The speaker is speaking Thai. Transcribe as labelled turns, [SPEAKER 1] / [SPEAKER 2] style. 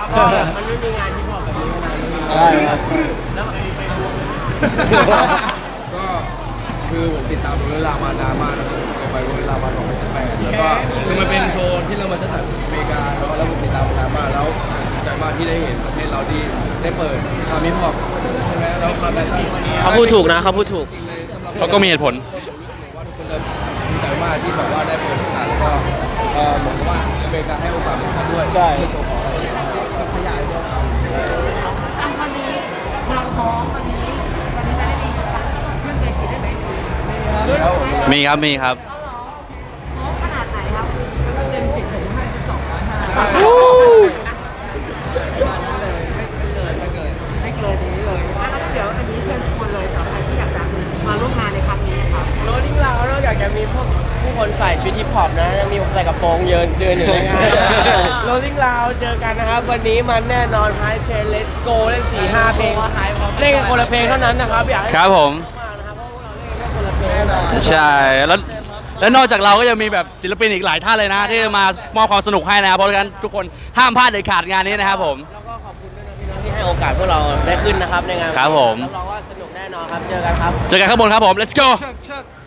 [SPEAKER 1] ก็มันไม่มีงานที่พอแบบนี้มานาน
[SPEAKER 2] ใช่ครับ
[SPEAKER 1] แล้ว
[SPEAKER 3] ก็คือผมติดตามเวลามานานมากนะครับเคยไปเวลามา2018แล้วก็คือมันเป็นโชว์ที่เรามาจากอเมริกาแล้วผมติดตามมานานมากแล้วดีใจมากที่ได้เห็นประเทศเราที่ได้เปิดมิพอปใช่ไหมแล้วความแบบนี้
[SPEAKER 2] เขาพูดถูกนะเขาพูดถูก
[SPEAKER 4] เขาก็มีเหตุผล
[SPEAKER 3] ว่าทุกคนจะดีใจมากที่แบบว่าได้เปิดโอกาสแล้วก็เหมือนกับว่าอเมริกาให้โอกาสผมด้วย
[SPEAKER 2] ใช่
[SPEAKER 3] เพื่อโชว์ของอะไรอย่างเงี้ยครับขยายด้วยครับ
[SPEAKER 1] วันนี้เราท้องวันนี้จะได้มีเรื่องเวทีได้ไหม
[SPEAKER 4] มีครับมีครับ
[SPEAKER 1] เขาร้องโอ้ขนาดไหนครับก็เต็ม10ผมให้ไม่เกินนี้เลยเดี๋ยวอันนี้เชิญชวนเลยสำหรับใครที่อยากจะมาร่วมงานในครั้งนี้ครับโรลลิ่งเรานอกจากจะมีพวกผู้คนใส่ชุดฮิปฮอปนะยังมีผมใส่กระโปรงเดินอยู่ในงานโรลลิ่งเราเจอกันนะครับวันนี้มันแน่นอนไฮเทรนเลสโกเล่น4-5 เพลงเล่นกันคนละเพลงเท่านั้นนะครับอยากให้
[SPEAKER 4] ครับผม
[SPEAKER 1] มากนะครับเพราะพวกเราเล่นกันแค่คนละเพลงแน่นอน
[SPEAKER 4] ใช่ แล้วนอกจากเราก็ยังมีแบบศิลปินอีกหลายท่านเลยนะ ที่จะมามอบความสนุกให้นะครับ เพราะฉะนั้นทุกคนห้ามพลาดเด็ดขาดงานนี้นะครับผม
[SPEAKER 1] แล้วก็ขอบคุณด้วยนะพี่น้องที่ให้โอกาสพวกเราได้ขึ้นนะครับในงาน
[SPEAKER 4] ครับผม
[SPEAKER 1] รับรองว่าสนุกแน่นอนครับเจอกันครับ
[SPEAKER 4] เจอกันข้างบนครับผม let's go
[SPEAKER 2] เชิก